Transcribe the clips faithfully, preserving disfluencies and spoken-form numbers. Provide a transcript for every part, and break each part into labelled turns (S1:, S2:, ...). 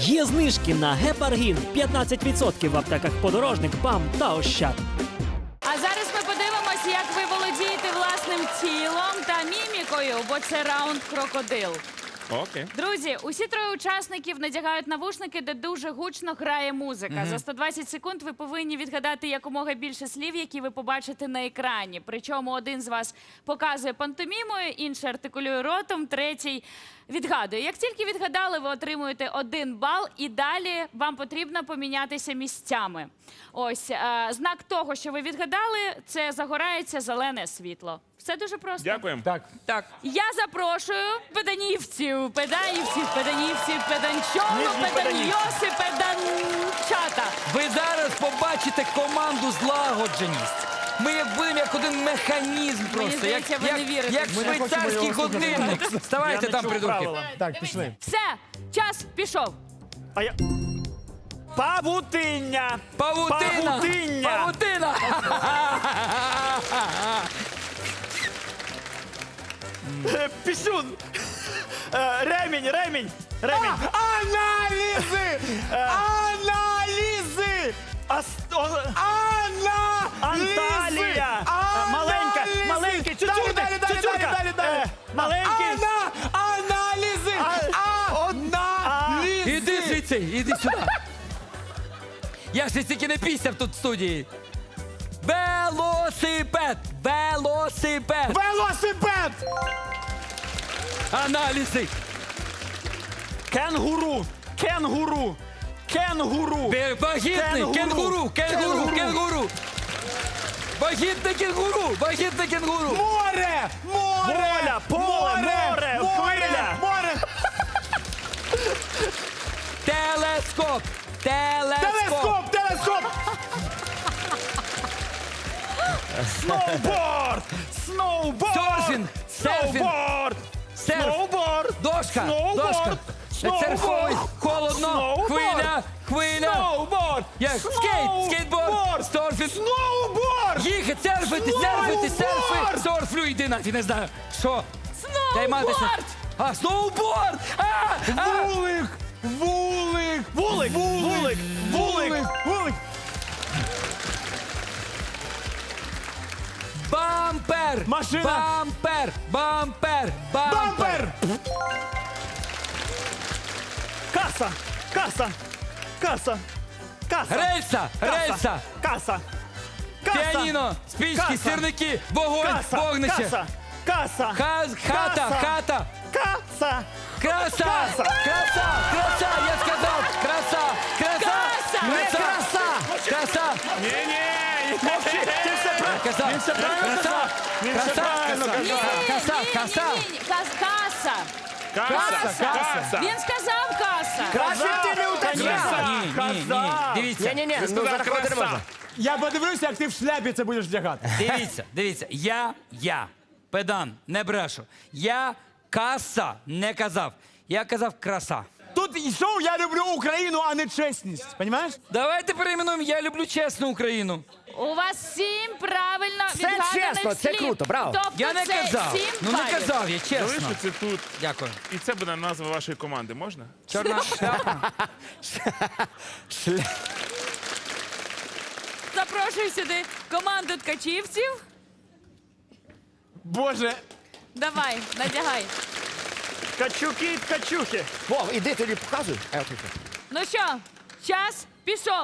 S1: Є знижки на гепаргін п'ятнадцять відсотків в аптеках «Подорожник», «БАМ» та «Ощад».
S2: А зараз ми подивимося, як ви володієте власним тілом та мімікою, бо це раунд крокодил.
S3: Окей.
S2: Друзі, усі троє учасників надягають навушники, де дуже гучно грає музика.
S3: Мгм.
S2: За сто двадцять секунд ви повинні відгадати якомога більше слів, які ви побачите на екрані. Причому один з вас показує пантомімою, інший артикулює ротом, третій відгадує. Як тільки відгадали, ви отримуєте один бал, і далі вам потрібно помінятися місцями. Ось, е, знак того, що ви відгадали, це загорається зелене світло. Все дуже просто.
S3: Дякуємо.
S4: Так.
S2: Так. Я запрошую педанівців, педаївців, педанівців, педанчону, педаньйоси, педанчата.
S4: Ви зараз побачите команду злагодженість. Ми як будемо як один механізм просто.
S2: здається,
S4: як,
S2: ви не
S4: як,
S2: вірите
S4: як
S2: в це.
S4: швейцарський годинник. Ставайте там, придурки.
S5: Так, пішли.
S2: Все, час пішов.
S1: А я... Павутиння!
S4: Павутина!
S1: Павутиння!
S4: Павутина!
S1: Е, Пісюн! Е, Ремінь, ремінь! Ремінь!
S5: Аналізи! Аналізи!
S1: Ас... о,
S5: Аналізи!
S1: Анталія! Е, Маленька,
S5: Аналізи!
S1: маленький,
S5: Далі,
S1: чучурка,
S5: далі, далі,
S1: чучурка!
S5: далі, далі, далі.
S1: Е, Маленький!
S5: Ана... Аналізи!
S1: А-
S5: Аналізи!
S4: Іди звідси, іди сюди. Я ж стільки не пісяв тут в студії. Велосипед! Велосипед!
S5: Велосипед!
S4: Аналізи!
S1: Кенгуру! Кенгуру! Кенгуру!
S4: Бе- Вагітний!
S1: Кенгуру.
S4: Кенгуру! Кенгуру!
S1: Кенгуру.
S4: Кенгуру! Вагітне кенгуру! Вагітне кенгуру!
S5: Море! Море!
S1: Воля, поле, море, хвиля.
S5: Море!
S4: Телескоп! Телескоп!
S5: Телескоп! Телескоп!
S1: Сноуборд! Сноуборд!
S4: Серфінг! Серфінг!
S1: Сноуборд!
S4: Серф!
S1: Сноуборд!
S4: Дошка!
S1: Сноуборд!
S4: Дошка!
S1: Сноуборд!
S4: Серфовий! Холодно!
S1: Сноуборд!
S4: Хвиля! Хвиля!
S1: Сноуборд!
S4: Як? Скейт! Скейтборд! Серфінг!
S1: Сноуборд!
S4: Їхати, серфити, серфити, серфи! Серфлю, йди нафіг, не знаю. Що? Займатися.
S2: Сноуборд!
S4: А, сноуборд! А! А!
S5: Вулик! Вулик!
S1: Вулик! Вулик! Вулик!
S5: Вулик!
S4: Бампер!
S5: Машина!
S4: Бампер! Бампер!
S5: Бампер!
S1: Каса! Каса! Каса! Каса!
S4: Рельса!
S1: Каса!
S4: Рельса!
S1: Каса! Каса!
S4: Піаніно! Спічки,
S1: Каса!
S4: сірники! Вогонь!
S1: Каса!
S4: Вогнище!
S1: Каса! Каса!
S4: Хаз, хата!
S1: Каса!
S4: Хата!
S1: Каса!
S4: Краса!
S1: Каса!
S4: Краса! Краса! Я сказав! Краса! Краса!
S2: Каса!
S1: Не краса!
S4: Краса!
S3: Ні-ні!
S1: Мовчи! Ти все
S4: Я
S1: правильно!
S4: казав!
S1: Він все правильно
S4: Краса!
S1: казав! Він все
S4: Краса!
S1: правильно
S2: Ні,
S1: казав!
S4: Каса,
S2: ні, ні,
S4: каса.
S2: ні, ні. Кас- Каса.
S3: Каса! Каса!
S2: Він сказав каса.
S5: Краще ти не уточняй!
S4: Ні, ні, ні. Дивіться.
S6: Ні-ні-ні,
S3: Ти
S6: ну
S3: сказав
S6: зарахувати не
S3: краса!
S6: можна.
S5: Я подивлюся, як ти в шляпі це будеш вдягати.
S4: Дивіться, дивіться. Я, я, педан, не брешу. Я каса не казав. Я казав краса.
S5: Тут і шоу «Я люблю Україну», а не чесність. Понімаєш?
S4: Давайте перейменуємо «Я люблю чесну Україну».
S2: У вас сім правильно
S6: Це
S2: відгаданих
S6: чесно, це
S2: слів.
S6: круто, браво.
S2: Тобто
S4: Я не
S2: це
S4: казав.
S2: сім
S4: Ну не
S2: балів.
S4: казав я, чесно.
S3: Залишиться тут.
S4: Дякую.
S3: І це буде назва вашої команди, можна?
S4: Чорна шляпа.
S2: Запрошую сюди команду ткачівців.
S5: Боже,
S2: Давай, надягай.
S1: Качуки і ткачухи!
S6: Вов, іди тоді показуй. А я тут.
S2: Ну що, час пішов.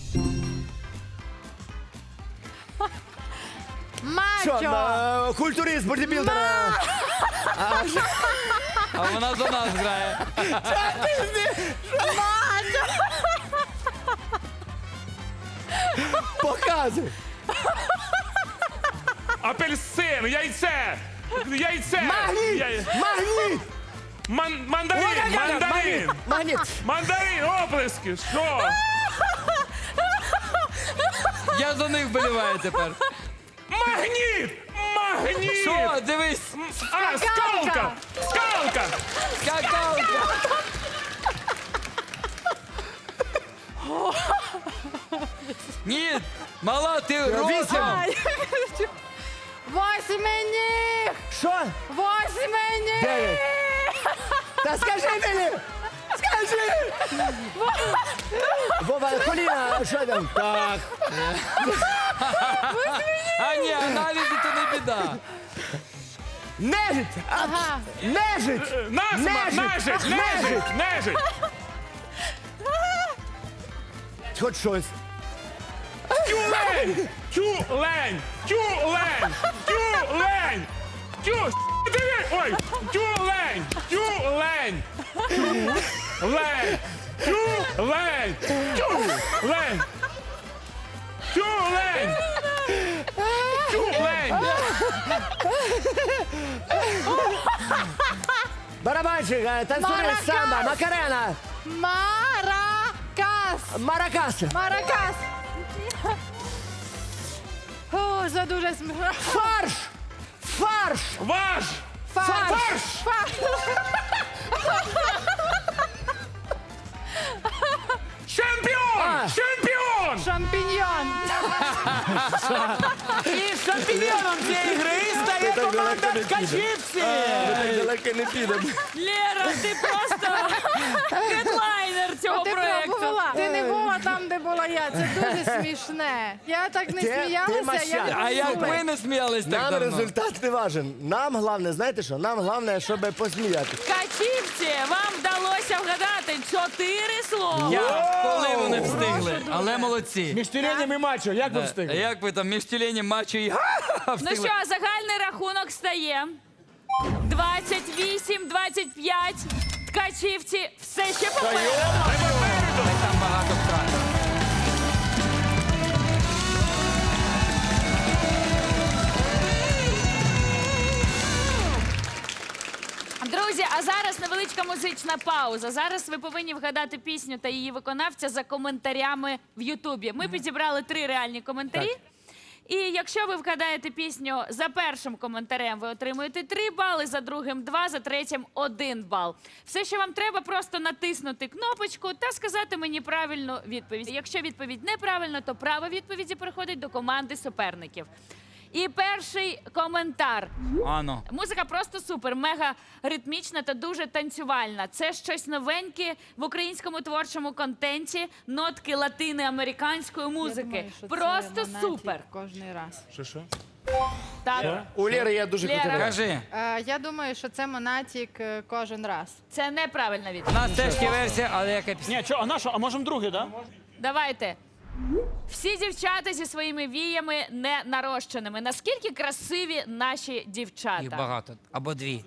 S6: Що, на культурист, бодібілдер.
S4: А вона за нас грає.
S6: Показуй.
S3: Апельсин! Яйце! Яйце!
S6: Магніт!
S3: Яй-
S6: Магніт!
S3: Ман- Мандарин!
S6: Ой-ой-ой,
S3: Мандарин!
S6: Магніт!
S3: Мандарин! Оплески! Що?
S4: Я за них вболіваю тепер.
S3: Магніт! Магніт!
S4: Що, дивись,
S3: А, скалка! Скалка!
S4: скакалка. Ні, мала, ти ротом.
S2: Восьминіг!
S6: Що?
S2: Восьминіг!
S6: Дев'ять. Та скажи мені! Скажи Допоможи! Вова, коліна, що там? Так.
S4: А ні, аналізи то не біда.
S6: Нежить! А,
S7: Ага.
S6: Нежить!
S3: Назма,
S6: Нежить!
S3: нежить, нежить, нежить.
S6: Хоч щось.
S3: Тюлень, тюлень, тюлень, тюлень, тю, диви, ой, тюлень, тюлень, тюлень, тюлень, тюлень, тюлень, тюлень.
S6: Барабанщик, е, танцюрист,
S7: Маракас.
S6: самба, макарена,
S7: Маракас.
S6: маракас,
S7: Маракас. О, це дуже смішно.
S6: фарш, фарш,
S3: Ваш,
S7: Фарш.
S3: фарш, чемпіон, чемпіон.
S7: Шампіньйон.
S5: І шампіньйоном цієї гри стає
S6: так
S5: команда
S6: далеко не
S5: ткачівці.
S6: так далеко не підемо.
S2: Лєра, ти просто хедлайнер цього
S7: Ти
S2: проєкту.
S7: була. Ти не була там, де була я. Це дуже смішне. Я так не
S6: Ти- ти
S7: сміялася.
S6: маща.
S7: Я
S4: А як
S7: супер.
S4: ви не сміялись так
S6: Нам
S4: давно?
S6: результат не важен. Нам головне, знаєте що? Нам головне, щоб посміятися.
S2: Ткачівці, вам вдалося вгадати чотири слова.
S4: Я, коли вони встигли, але молодці.
S5: Між тюленем і мачо, як ви
S4: А
S5: встигли?
S4: як ви там між тюленем, мачо і
S2: Ну
S4: встигли?
S2: що, загальний рахунок стає двадцять вісім двадцять п'ять. Ткачівці все ще попереду.
S4: Там багато втрат.
S2: Друзі, а зараз невеличка музична пауза. Зараз ви повинні вгадати пісню та її виконавця за коментарями в Ютубі. Ми підібрали три реальні коментарі. І якщо ви вгадаєте пісню за першим коментарем, ви отримуєте три бали, за другим два, за третім один бал. Все, що вам треба, просто натиснути кнопочку та сказати мені правильну відповідь. Якщо відповідь неправильна, то право відповіді переходить до команди суперників. І перший коментар.
S4: Ано.
S2: Музика просто супер, мега ритмічна та дуже танцювальна. Це щось новеньке в українському творчому контенті, нотки латиноамериканської музики. Просто супер.
S7: Кожний раз.
S3: Що, що?
S2: Так,
S6: У Лєри є дуже
S2: Лєра.
S6: крутий голос.
S4: Кажи,
S7: Е, я думаю, що це Монатік е, кожен раз.
S2: це неправильна
S4: у
S2: відповідь.
S4: нас теж є версія, але яка пісня?
S5: Ні, що, а на що? А можемо другий, так? Да?
S2: Давайте. Всі дівчата зі своїми віями не нарощеними. Наскільки красиві наші
S4: Їх
S2: дівчата?
S4: багато. Або дві.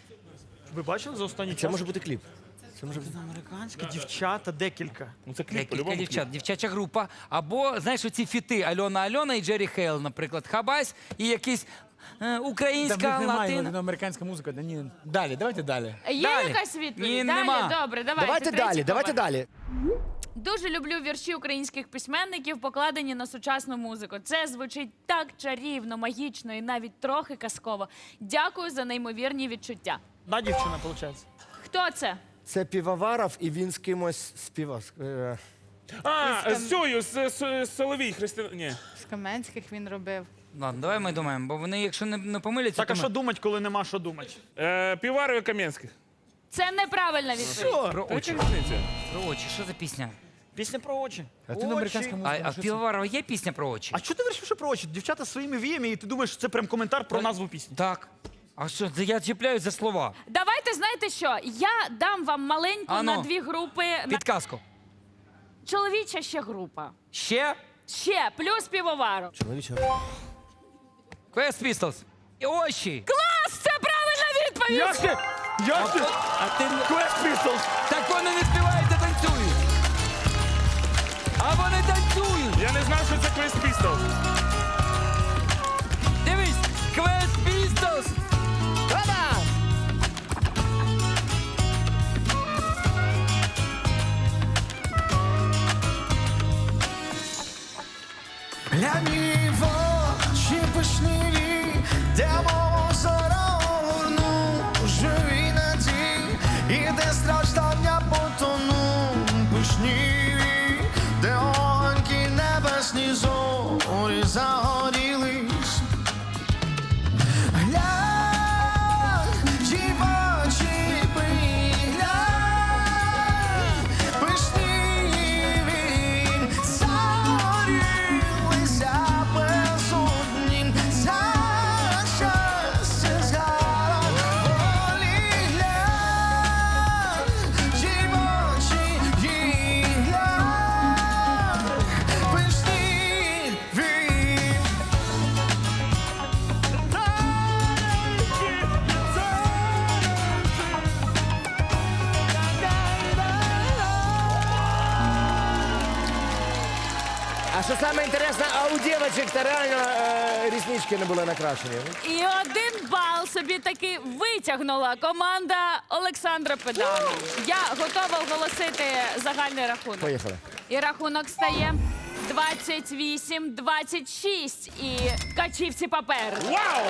S5: Ви бачили за останній час?
S6: Це може бути кліп. Це може бути.
S5: Американські дівчата, декілька.
S3: Ну це кліп,
S4: Декілька
S3: по-любому кліп.
S4: дівчат, дівчача група. Або, знаєш, оці фіти Альона Альона і Джері Хейл, наприклад, Хабась і якийсь е, українська латина.
S5: латиноамериканська музика. Да, ні. Далі, давайте далі.
S2: Є
S4: Далі.
S2: якась відповідь?
S4: Ні,
S2: Далі?
S4: нема.
S2: Добре, давайте.
S6: Давайте
S2: третій
S6: далі, давайте
S2: комент.
S6: далі.
S2: Дуже люблю вірші українських письменників, покладені на сучасну музику. Це звучить так чарівно, магічно і навіть трохи казково. Дякую за неймовірні відчуття.
S5: Да, дівчина, виходить.
S2: Хто це?
S6: Це Півоваров і він з кимось співав. Е,
S3: А, з цією, з, з, з Соловій Христина. Ні.
S7: З Каменських він робив.
S4: Ладно, давай ми думаємо, бо вони, якщо не, не помиляться,
S5: Так,
S4: то
S5: а
S4: ми...
S5: що думать, коли нема що думати?
S3: Е, Піварів і Кам'янських.
S2: Це неправильна відповідь.
S3: Про очі.
S4: Про очі, що за пісня?
S5: Пісня про очі.
S6: Латиноамериканська
S5: Очі.
S6: музика.
S4: А, а в Півоварова є пісня про очі?
S5: А що ти вирішив, що про очі? Дівчата своїми віями, і ти думаєш, що це прям коментар про назву пісні.
S4: Так. А що, це я чіпляюсь за слова.
S2: Давайте, знаєте що? Я дам вам маленьку
S4: Ано.
S2: на дві групи. На...
S4: Підказку.
S2: Чоловіча ще група.
S4: Ще
S2: Ще, плюс півовару.
S4: Quest Pistols. І очі.
S2: Клас! Це правильна відповідь!
S5: Як ти? Як ти?
S4: А ти...
S5: Quest Pistols!
S4: Так вони не співають, а танцюють. А вони танцюють.
S3: Я не знав, що це Quest Pistols.
S4: Дивись, Quest Pistols.
S6: Та-да!
S8: Гляні в очі пишниві, де мого зорорну живі надій, і де страждання потону пишніві, де огоньки небесні зорі загорілись. Глянь, ті в очі приглянь,
S6: що саме інтересне, а у дівчинок та реально е, ріснички не були накрашені.
S2: І один бал собі таки витягнула команда Олександра Педана. Я готова оголосити загальний рахунок.
S6: Поїхали.
S2: І рахунок стає двадцять вісім двадцять шість. І качівці папер.
S3: Вау!